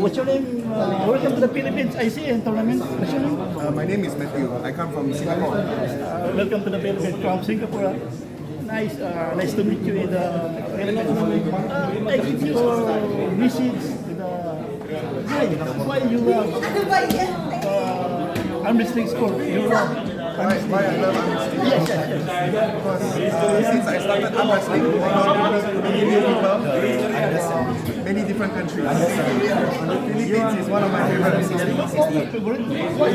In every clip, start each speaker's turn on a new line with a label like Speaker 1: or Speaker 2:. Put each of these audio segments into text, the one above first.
Speaker 1: What's your name? Welcome to the Philippines ICN tournament. What's your name?
Speaker 2: My name is Matthew. I come from Singapore.
Speaker 1: Welcome to the Philippines from Singapore. Nice, nice to meet you in the Philippines. I give you a message to the guy. Why you love arm wrestling sport? You love
Speaker 2: Why I love arm wrestling?
Speaker 1: yes, yes, yes.
Speaker 2: Because since I started arm wrestling, many new people, many different countries. The Philippines is one of my favorites.
Speaker 1: Why?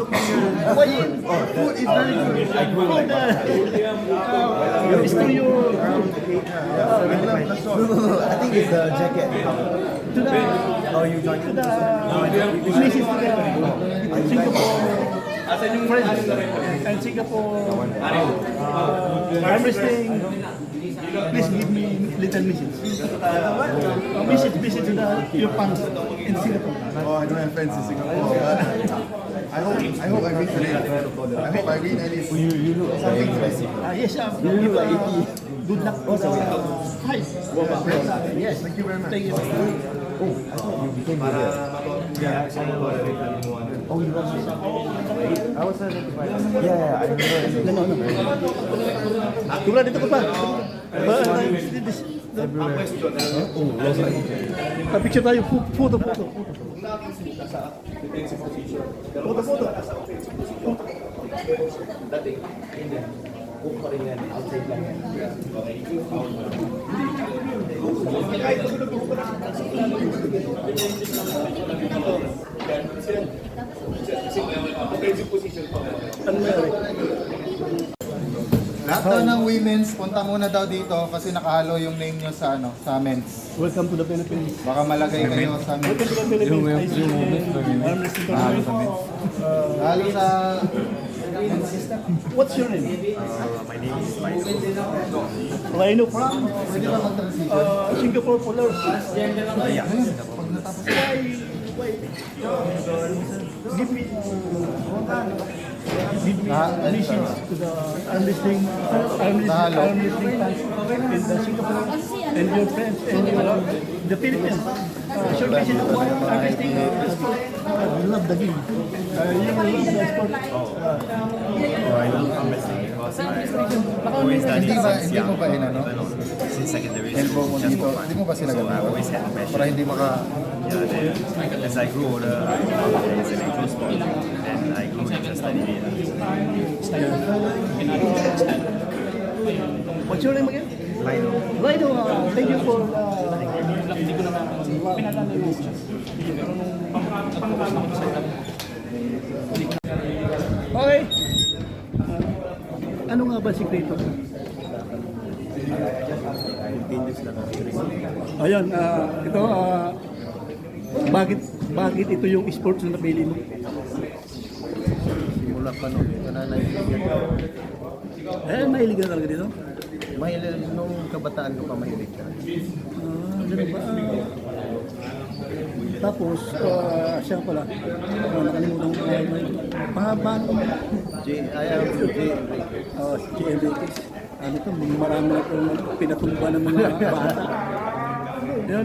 Speaker 2: Food is very good.
Speaker 1: It's to your
Speaker 2: I love the short.
Speaker 3: I think it's the jacket.
Speaker 1: to the
Speaker 3: Oh, you joined
Speaker 1: to the message to the Singapore friends and Singapore arm wrestling. Please give me little message. Message to the your fans in Singapore.
Speaker 2: Oh, I don't have friends in Singapore. But I hope I win today. I hope I win at least something special.
Speaker 1: Yes, good luck for the fight. Yes,
Speaker 2: Thank you very much.
Speaker 1: thank you.
Speaker 3: You became here. Oh, you watched it? I was certified. Yeah, I remember.
Speaker 1: No. Tula dito ka pa. Picture tayo, photo.
Speaker 4: Lahat daw ng women's, punta muna daw dito kasi nakahalo yung name nyo sa sa men's.
Speaker 1: Welcome to the Philippines.
Speaker 4: Baka malagay kayo sa
Speaker 1: Welcome
Speaker 4: men's.
Speaker 1: to the Philippines. Arm wrestling tournament.
Speaker 4: Halo sa
Speaker 1: What's your name?
Speaker 5: My name is Faisal.
Speaker 1: Rhino from
Speaker 4: pwede ba mag-transition?
Speaker 1: Singapore Polars.
Speaker 5: Yeah.
Speaker 1: Why? Give me message to the arm wrestling fans in the Singapore and your friends and the Philippines. Short message to arm wrestling sport. I love the game. You love the sport.
Speaker 5: I love arm wrestling because I've always done it since
Speaker 4: Hindi
Speaker 5: young.
Speaker 4: mo ba
Speaker 5: Since secondary
Speaker 4: elbow mo
Speaker 5: school, just
Speaker 4: dito?
Speaker 5: for fun.
Speaker 4: Hindi mo ba sila
Speaker 5: So I've
Speaker 4: gagawin?
Speaker 5: always had a passion.
Speaker 4: Para hindi maka...
Speaker 5: Yeah, then as I grew older, I found that it's an actual sport, and I grew interested in it.
Speaker 1: What's your name again?
Speaker 5: Lino.
Speaker 1: Rhino, thank you for okay. Ano nga ba sikreto? Ayan, ito, bakit ito yung sports na napili mo?
Speaker 3: Simula pa noon. Ito na naibigan ko.
Speaker 1: Mahilig ka talaga dito?
Speaker 3: Mahilig nung kabataan ko pa mahilig ka.
Speaker 1: Ganun ba? Tapos, siya pala, nakalimutan ko pahaba mo.
Speaker 3: I am J. Enrique.
Speaker 1: Si Enriquez. Ano to, marami na itong pinatumba ng mga bata. Yun,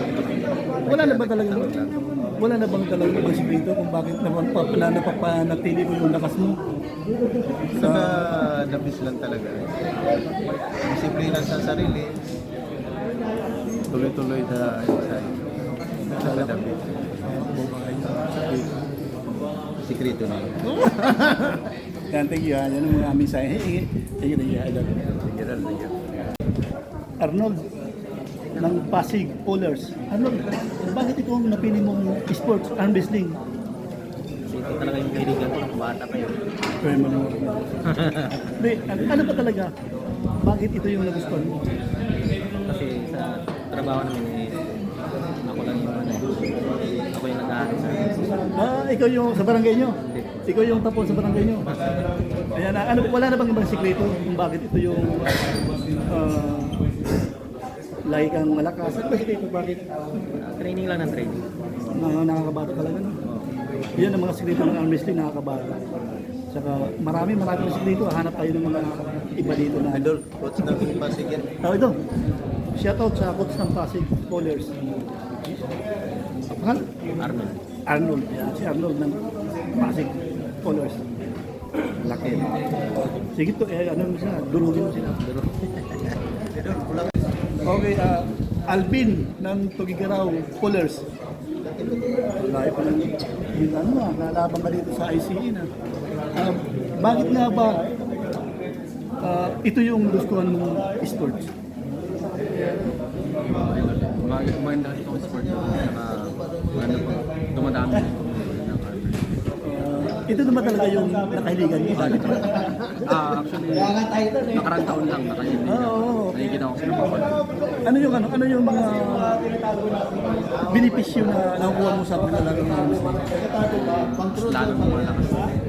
Speaker 1: wala na bang talagang respeto kung bakit naman napapanatili mo yung lakas mo?
Speaker 3: Saka dabis lang talaga. Disiplina sa sarili. Tuloy-tuloy na sa dabis. Sikreto na yun.
Speaker 1: Yan, thank you. Yan ang mga aming sayo. Thank you. Arnold ng Pasig Polars. Arnold, bakit ikaw ang napili mong sports, arm wrestling?
Speaker 3: Kasi ito talaga yung kaibigan ko ng bata kayo.
Speaker 1: Kaya mo naman. Hindi, ano ba talaga? Bakit ito yung nagustuhan mo?
Speaker 3: Kasi sa trabaho namin ako lang yung ako yung nag-aaral sa
Speaker 1: Ikaw yung sa barangay nyo? Ikaw yung tapon sa barangay nyo? Ayan, wala na bang ibang sikreto kung bakit ito yung lagi kang malakas? Ano ba sikreto? Bakit?
Speaker 3: training lang ng training.
Speaker 1: Nakakabata talaga, no? Yan ang mga sikreto ng arm wrestling, nakakabata. Saka marami ng sikreto. Hanap tayo ng mga iba dito na.
Speaker 3: Idol, coach ng Pasig yan.
Speaker 1: Ito. Shoutout sa coach ng Pasig Polars. Mahal?
Speaker 3: Arnold.
Speaker 1: Arnold. Yan, si Arnold ng Pasig Colors. Laki. Sige to, ano mo sila, durugin mo sila. Okay, Alvin ng Tugigaraw Colors. Layo pa ng nalaban ka dito sa ICE na. Bakit nga ba ito yung gustuhan mong sports?
Speaker 3: Maganda kasi itong sport ko. Maganda po. Dumadami ng
Speaker 1: Ito naman talaga yung nakahiligan mo. Bakit?
Speaker 3: actually, nakarang taon lang nakahiligan.
Speaker 1: Oo.
Speaker 3: Nakikita ko sila mga
Speaker 1: Ano yung mga benepisyo na nakukuha mo sa paglalaro ng wrestling?
Speaker 3: lalo ng mga lakas.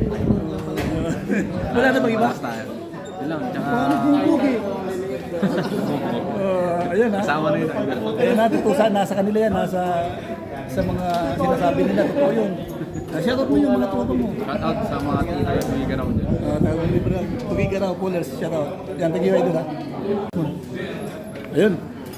Speaker 1: Wala na bang iba?
Speaker 3: Basta, yun lang. Tsaka,
Speaker 1: Paano bumbog eh? Ayan ha.
Speaker 3: kasama na yun.
Speaker 1: Ayan natin to nasa kanila yan, nasa sa mga sinasabi nila, totoo yun. Shoutout mo yung mga tropa mo.
Speaker 3: Shout out sa mga tita yung may ganaw dyan.
Speaker 1: Tawag mo pala, Tugigaraw Pullers, shoutout. Yan, thank you idol ha. Ayun.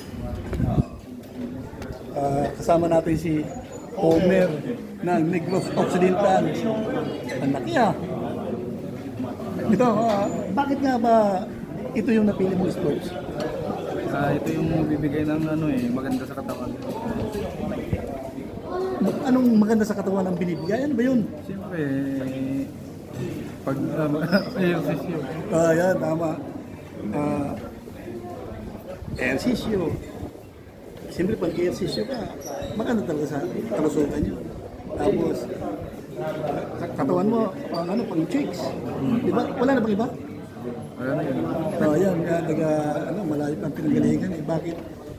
Speaker 1: Kasama natin si Homer ng Negros Occidental. Ang laki ah. Ito, bakit nga ba ito yung napili mong sports?
Speaker 3: Ito yung bibigay ng maganda sa katawan.
Speaker 1: Anong maganda sa katawan ang binibigay? Ano ba yun?
Speaker 3: Siyempre, pag exercise
Speaker 1: Yan, tama. Ehersisyo. Siyempre, pag ehersisyo ka, maganda talaga sa kalusugan yun. Tapos, katawan mo, pang chicks. Diba? Wala na bang iba?
Speaker 3: Wala na yun.
Speaker 1: Yan, malayo pang pinanggalingan eh. Bakit?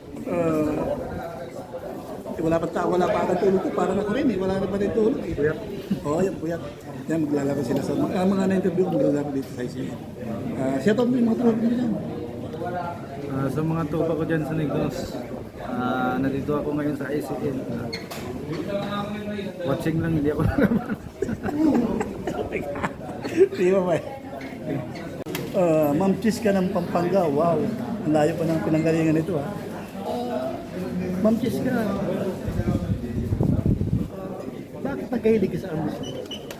Speaker 1: Wala pa agad tulog ko, parang ako rin eh. Wala na pa rin tulog eh.
Speaker 3: Puyat.
Speaker 1: Yan, puyat. Yan, maglalaro sila sa mga na-interview ko, maglalaro dito sa ICE. Shoutout mo yung mga tulog mo dyan.
Speaker 3: Sa mga tropa ko dyan sa Negros, nandito ako ngayon sa ICL. Watching lang, hindi ako naman.
Speaker 1: Di ba ba? Ma'am Chis ka ng Pampanga, wow. Ang layo pa ng pinanggalingan nito ha. Ma'am Chis ka, bakit nagkahilig ka sa arm wrestling?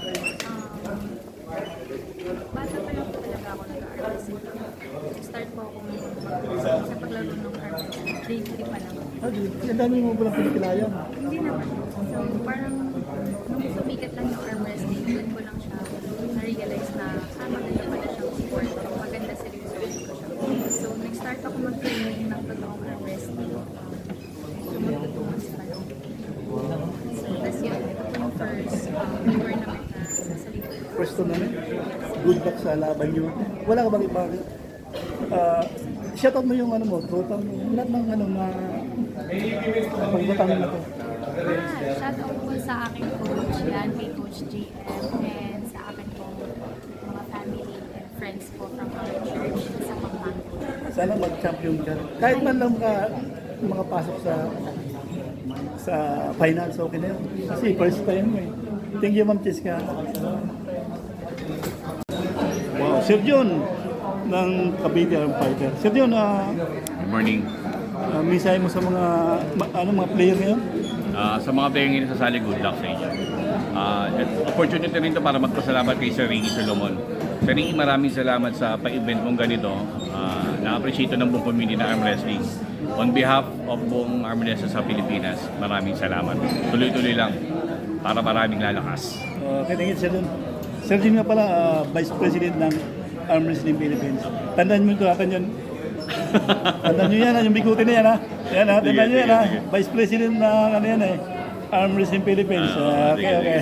Speaker 6: Bata pa lang po talaga ako nag-arm wrestling. Start po ako sa paglaro ng arm wrestling. Grade 3 pa lang.
Speaker 1: Ang dami mo palang pinikilayan.
Speaker 6: Hindi naman. So parang nung sumikat lang yung arm wrestling, doon ko lang siya na-realize na maganda pala siyang sport. Maganda seryosohin ko siya. So nag-start ako mag-training ng totoong arm wrestling. So magtutungan sa balong. So tas yun, ito po yung first tournament na sasalito.
Speaker 1: First tournament, good luck sa laban nyo. Wala ka bang iba? Shoutout mo yung tropa mo. Lahat ng pagbatang na to.
Speaker 6: Shout out po sa aking coach, yan, kay Coach JM, and sa akin po mga family and friends po from our church sa Pampanga.
Speaker 1: Sana mag-champion ka. Kahit man lang makapasok sa finals, okay na yun. Kasi first time mo eh. Thank you, Ma'am Cheska. Wow, Sir John ng Cavite Arm Fighter. Sir John,
Speaker 7: Good morning.
Speaker 1: mensahe mo sa mga mga player ngayon?
Speaker 7: Sa mga player ngayon sasali, good luck sa inyo. Opportunity rin to para magpasalamat kay Sir Ricky Solomon. Sir Ricky, maraming salamat sa pa-event mong ganito. Na-appreciate ng buong community na arm wrestling. On behalf of buong arm wrestling sa Pilipinas, maraming salamat. Tuloy-tuloy lang para maraming lalakas.
Speaker 1: Okay, thank you, Sir John. Sir John nga pala, Vice President ng Arm Wrestling Philippines. Tandaan mo ito, yun. Tandaan nyo yan, yung biguti na yan ha. Yan ha, tandaan nyo yan ha. Vice President ng Arm Wrestling Philippines. Okay.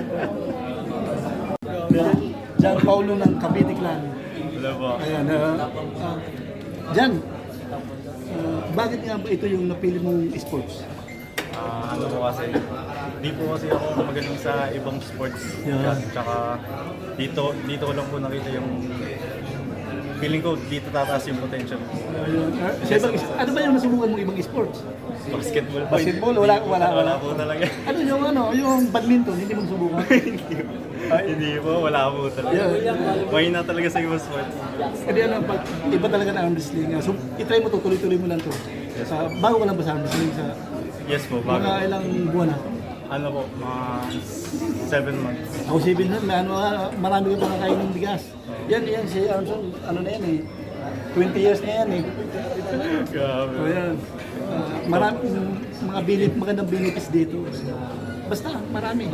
Speaker 1: Jan Paulo ng Cavite Clan.
Speaker 7: Hello po.
Speaker 1: Ayan, Jan, bakit nga ba ito yung napili mong sports?
Speaker 5: Ano po kasi, di po kasi ako magaling sa ibang sports.
Speaker 1: Yeah.
Speaker 5: Tsaka dito ko lang po nakita yung feeling ko dito tataas yung potential.
Speaker 1: Ano ba yung nasubukan mong ibang sports?
Speaker 5: Basketball po.
Speaker 1: Basketball, wala
Speaker 5: po talaga.
Speaker 1: Yung badminton, hindi mo subukan?
Speaker 5: Hindi po, wala po talaga. Mahina talaga sa ibang sports.
Speaker 1: Kasi pag iba talaga na arm wrestling. So, itry mo to, tuloy-tuloy mo lang to. Bago ka lang ba sa arm wrestling?
Speaker 5: Yes po, bago.
Speaker 1: Mga ilang buwan na?
Speaker 5: Ano po, mga 7 months.
Speaker 1: Ako si Bin, marami ka pa nakain ng bigas. Yan si Armstrong, ano na yan eh. 20 years na yan eh.
Speaker 5: Grabe.
Speaker 1: So yan. Marami mga magandang benefits dito. Basta, marami.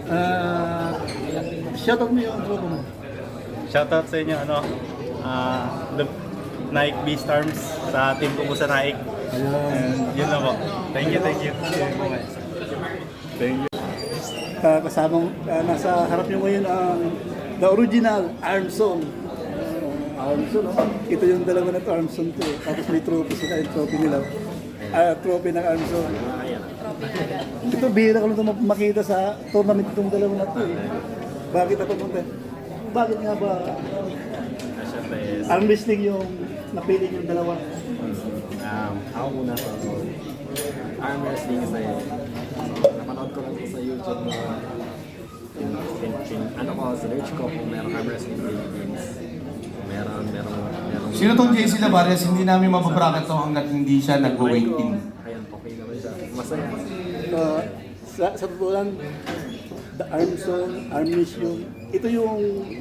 Speaker 1: Shoutout mo yung tropa mo.
Speaker 5: Shoutout sa inyo, the Nike Beastarms sa team ko po sa Nike. And yun lang po. Thank you, thank you. Thank you.
Speaker 1: Kasamang nasa harap niyo ngayon ang the original Armstrong. Armstrong, no? Ito yung dalawa na to, Armstrong to. Tapos may trophy sila, yung trophy nila. Trophy ng Armstrong. Ito, bihira ko lang ito makita sa tournament itong dalawa na to. Bakit ako punta? Bakit nga ba arm wrestling yung napili yung dalawa?
Speaker 3: Ako muna sa arm wrestling kasi napanood ko lang sa YouTube na ano ko, sinerch ko kung meron arm wrestling Philippines. Meron.
Speaker 8: Sino tong JC Labares? Hindi namin mapabracket to hanggat hindi siya nag-weight-in.
Speaker 3: Ayan, okay naman siya. Masaya.
Speaker 1: Sa totoo lang, the Armstrong, Arm Mission, ito yung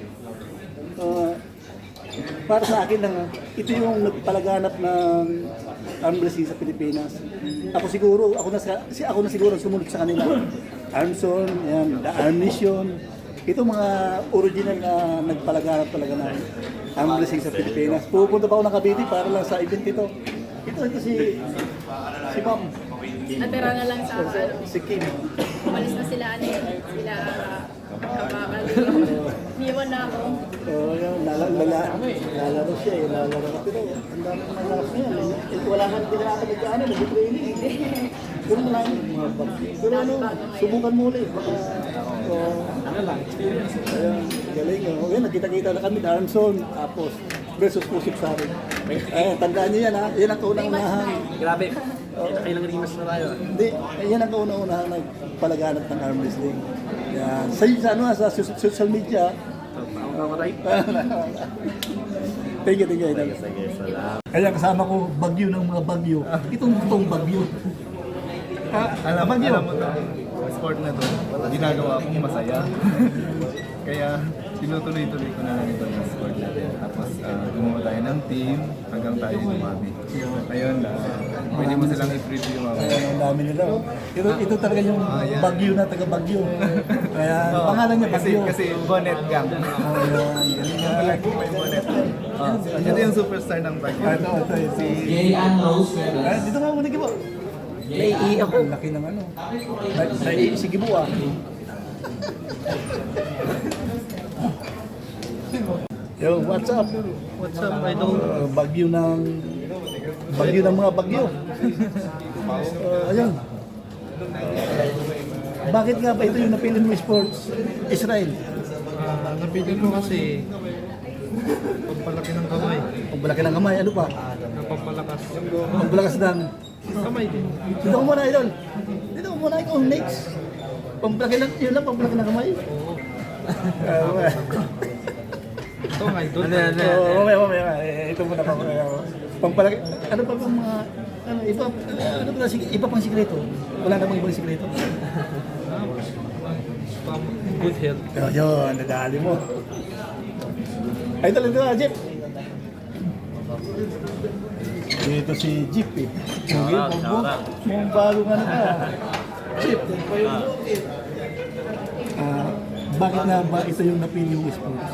Speaker 1: para sa akin lang, ito yung nagpalaganap ng arm wrestling sa Pilipinas. Ako na siguro ang sumunod sa kanila. Armstrong, yan, the Arm Mission, ito mga original na nagpalaganap talaga ng arm wrestling sa Pilipinas. Pupunta pa ako ng Cavite para lang sa event ito. Ito si Ma'am.
Speaker 6: Natira na lang sa
Speaker 1: Si Kim.
Speaker 6: umalis na sila sila kapakali. Niwan na ako.
Speaker 1: Yun, lalaro siya eh, lalaro ka. Pero ang dami ng mga lakas niya. Wala ka din natin nagkaano, nag-training. Pero marami mga bagay. Pero ano, subukan mo ulit. Baka, ano lang, experience. Ayan, galing. Yun, nagkita-kita na kami, Armstrong, tapos versus Pusip sa akin. Tandaan niyo yan ha, yan ang kaunang-unahan.
Speaker 3: Grabe. Kailang rimas na tayo.
Speaker 1: Hindi, yan ang kaunang-unahan nagpalaganap ng arm wrestling. Yan. Sa social media, thank you, Idol. Kaya kasama ko bagyo ng mga bagyo. Itong bagyo.
Speaker 2: Alam
Speaker 1: bagyo.
Speaker 2: mo to, sport na to, ginagawa kong masaya. Kaya tinutuloy-tuloy ko na lang ito yung sport natin. Tapos gumawa tayo ng team hanggang tayo dumami. Ayun, pwede mo silang i-preview mamaya.
Speaker 1: Ang dami nila. Ito talaga yung bagyo na taga-bagyo. Kaya pangalan niya bagyo.
Speaker 2: Kasi Bonnet Gang. May Bonnet. Ito yung superstar ng bagyo. Si
Speaker 1: Dito nga muna Gibo. Naiiyak ako. Laki ng ano. Si Gibo ah. Yo, what's up?
Speaker 3: What's up, idol?
Speaker 1: Bagyo ng mga bagyo. Ayun. Bakit nga ba ito yung napili mo sports? Israel.
Speaker 3: Napili ko kasi pagpalaki ng kamay.
Speaker 1: Pagbalaki ng kamay, ano pa?
Speaker 3: Napapalakas.
Speaker 1: Pagpalakas ng...
Speaker 3: Kamay din.
Speaker 1: Dito ko muna, idol. Dito ko muna, ikaw next. Pagbalaki ng... Yun lang, pagbalaki ng kamay.
Speaker 3: Ito nga, idol.
Speaker 1: Mamaya. Ito muna pa. Pagpalaki... Ano pa bang mga... Iba pang sikreto? Wala namang ibang sikreto?
Speaker 3: Good health.
Speaker 1: Yun, nadali mo. Idol, ito na, Jeep. Dito si Jeep eh. Mukhang bagong ano ka. Jeep. Bakit nga ba ito yung napili yung sports?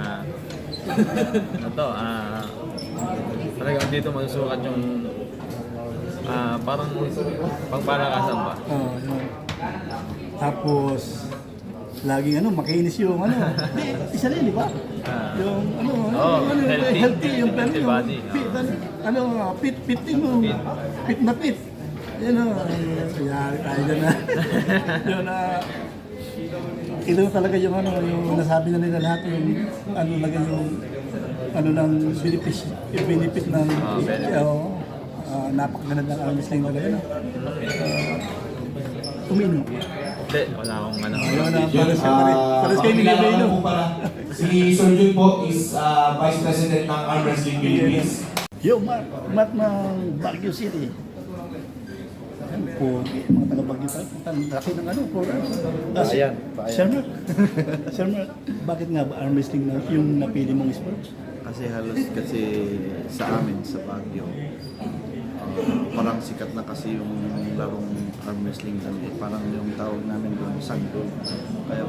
Speaker 9: Talagang dito masusukat yung parang pangpalakasan ba?
Speaker 1: Yun. Tapos, laging ano, makinis yung ano. Isa rin, di ba? Yung healthy, yung
Speaker 9: healthy body.
Speaker 1: Fit mo. Fit na fit. Yan o, yari tayo dyan na. Yun na, ito talaga yung ano, yung nasabi na nila lahat, yung ano talaga yung ano ng benefit ng napakaganda ng arm wrestling talaga na. Uminom.
Speaker 9: Hindi, wala akong ano.
Speaker 1: Pares kayo ni Gabriel.
Speaker 8: Si Sir Jun po is Vice President ng Arm Wrestling Philippines.
Speaker 1: Yo, Matt ng Baguio City. pogi, mga taga-Bagyo, ang laki ng ano, program.
Speaker 2: Bayan.
Speaker 1: Sir Mark, Sir Mark, bakit nga ba arm wrestling na yung napili mong sports?
Speaker 10: Kasi halos kasi sa amin sa Baguio, parang sikat na kasi yung larong arm wrestling doon. Parang yung tawag namin doon, sanggol. Kaya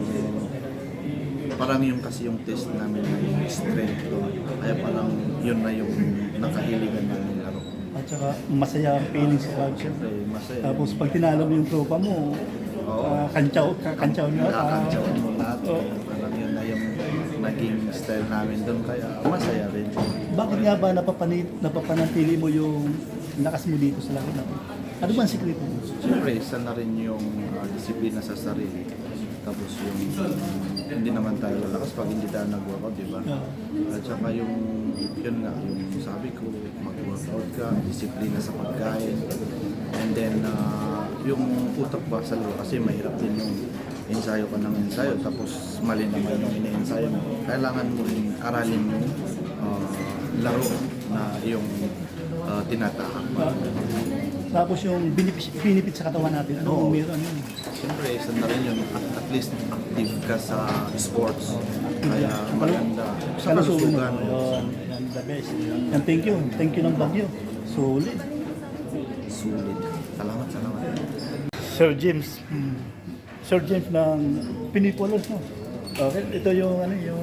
Speaker 10: parang yung kasi yung test namin na yung strength doon. Kaya parang yun na yung nakahiligan namin laro.
Speaker 1: At saka masaya ang feeling sa Baguio.
Speaker 10: Siyempre, masaya.
Speaker 1: Tapos pag tinalo mo yung tropa mo, kantsaw nyo.
Speaker 10: Nakakantsaw mo lahat.
Speaker 1: Oo.
Speaker 10: Parang yun na yung naging style namin doon. Kaya masaya rin.
Speaker 1: Bakit nga ba napapanatili mo yung lakas mo dito sa lahat natin? Ano ba ang sikreto mo?
Speaker 10: Siyempre, isa na rin yung disiplina sa sarili. Tapos yung hindi naman tayo lalakas pag hindi tayo nag-workout, di ba? At saka yung, yun nga, yung sabi ko, mag-workout ka, disiplina sa pagkain. And then, yung utak ba sa laro, kasi mahirap din yung ensayo ka ng ensayo, tapos mali naman yung ina-ensayo mo. Kailangan mo rin aralin yung laro na yung tinatahak.
Speaker 1: Tapos yung binipit sa katawan natin, ano meron yun?
Speaker 10: Siyempre, isa na rin yun, at least active ka sa sports. Kaya maganda. Sa
Speaker 1: Kalusugan mo.
Speaker 10: kalusugan.
Speaker 1: Yan, the best. And thank you ng Baguio. Solid.
Speaker 10: Sulit. Salamat.
Speaker 1: Sir James. Sir James ng Pinipolos, no? Okay, ito yung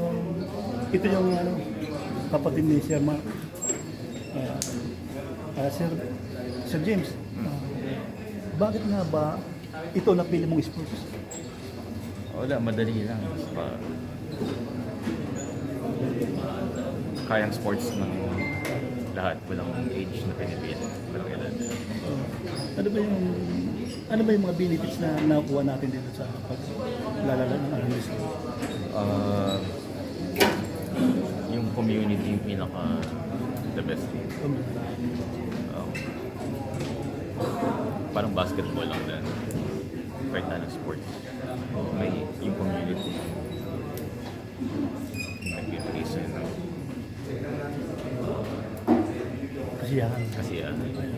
Speaker 1: kapatid ni Sir Mark. Sir James, bakit nga ba ito napili mong sports?
Speaker 9: Wala, madali lang. Kayang sports ng lahat. Walang age na pinipili. Walang edad.
Speaker 1: Ano ba yung mga benefits na nakuha natin dito sa paglalaro ng arm wrestling?
Speaker 9: Yung community yung pinaka the best. Parang basketball lang din. Kahit na ng sports. May yung community. Nag-ibigay sa'yo ng kasiyahan.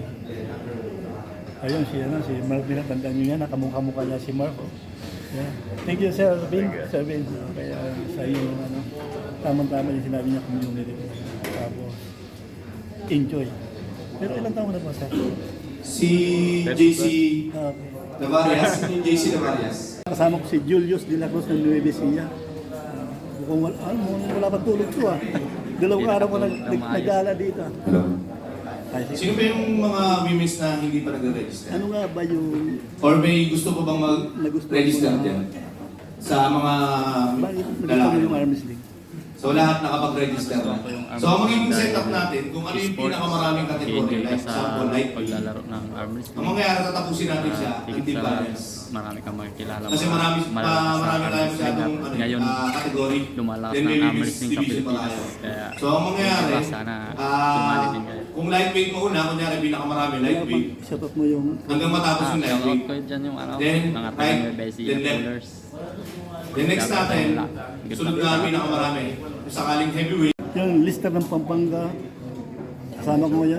Speaker 1: Ayun, si Mark din, tandaan nyo yan, nakamukha-mukha niya si Mark. Oh. Yeah. Thank you, Sir Vin. Sir Vin, kaya sa iyo, tamang-tama yung sinabi niya community. Tapos, enjoy. Pero ilang taon na ba, Sir?
Speaker 8: Si JC
Speaker 1: Okay.
Speaker 8: Navarias, JC Navarias.
Speaker 1: Kasama ko si Julius de la Cruz ng Nueva Ecija. Kung wala pa tulog ko Dalawang araw ko nag-gala dito.
Speaker 8: Hello. Sino ba yung mga women's na hindi pa nagre-register?
Speaker 1: Ano nga ba yung...
Speaker 8: Or may gusto pa bang mag-register dyan? Sa mga
Speaker 1: Bakit nagustuhan
Speaker 8: lalaki?
Speaker 1: mo yung arm wrestling?
Speaker 8: So lahat nakapag-register na. So ang magiging setup natin, kung ano yung pinakamaraming kategory, like example, lightweight.
Speaker 3: Paglalaro ng arm wrestling.
Speaker 8: Ang mangyayari, tatapusin natin siya, until balance.
Speaker 3: Marami kang makikilala.
Speaker 8: Kasi marami tayo masyadong
Speaker 3: ngayon,
Speaker 8: category.
Speaker 3: lumalakas
Speaker 8: Then
Speaker 3: ng
Speaker 8: may
Speaker 3: arm wrestling sa
Speaker 8: division pa
Speaker 3: Pilipinas.
Speaker 8: tayo.
Speaker 3: Kaya,
Speaker 8: So ang mangyayari,
Speaker 3: sana sumali din kayo.
Speaker 8: kung lightweight mo una, kunyari pinakamarami lightweight,
Speaker 1: Shoutout mo yung...
Speaker 8: hanggang matapos yung
Speaker 3: Shoutout
Speaker 8: lightweight.
Speaker 3: ko dyan yung
Speaker 8: Then,
Speaker 3: mga
Speaker 8: right,
Speaker 3: taga-Bessie
Speaker 8: then left.
Speaker 3: pullers.
Speaker 8: The next natin, sunod na pinakamarami. Kung sakaling heavyweight,
Speaker 1: Yung lister ng Pampanga. Kasama ko ngayon.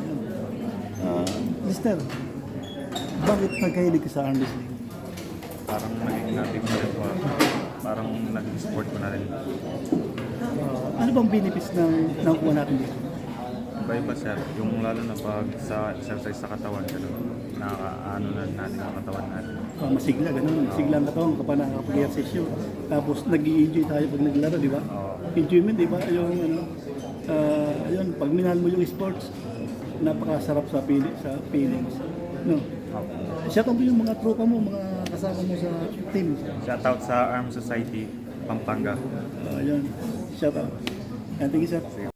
Speaker 1: Lister, bakit nagkahilig ka sa arm wrestling?
Speaker 9: Parang naging natin na rin po. Parang naging sport ko na rin.
Speaker 1: Ano bang benefits na nakuha natin dito?
Speaker 9: Iba-iba sir. Yung lalo na pag sa exercise sa katawan, nakakaano na natin ang katawan natin.
Speaker 1: Masigla, ganun. Masigla ang katawan kapag nakakapag-exercise. Tapos nag-i-enjoy tayo pag naglaro, di ba? Enjoyment, di ba? Ayun, pag minahal mo yung sports, napakasarap sa feelings. No? Shoutout mo yung mga tropa mo, mga kasama mo sa team.
Speaker 9: Shoutout sa Arm Society, Pampanga.
Speaker 1: Ayun, shoutout. And thank you, sir.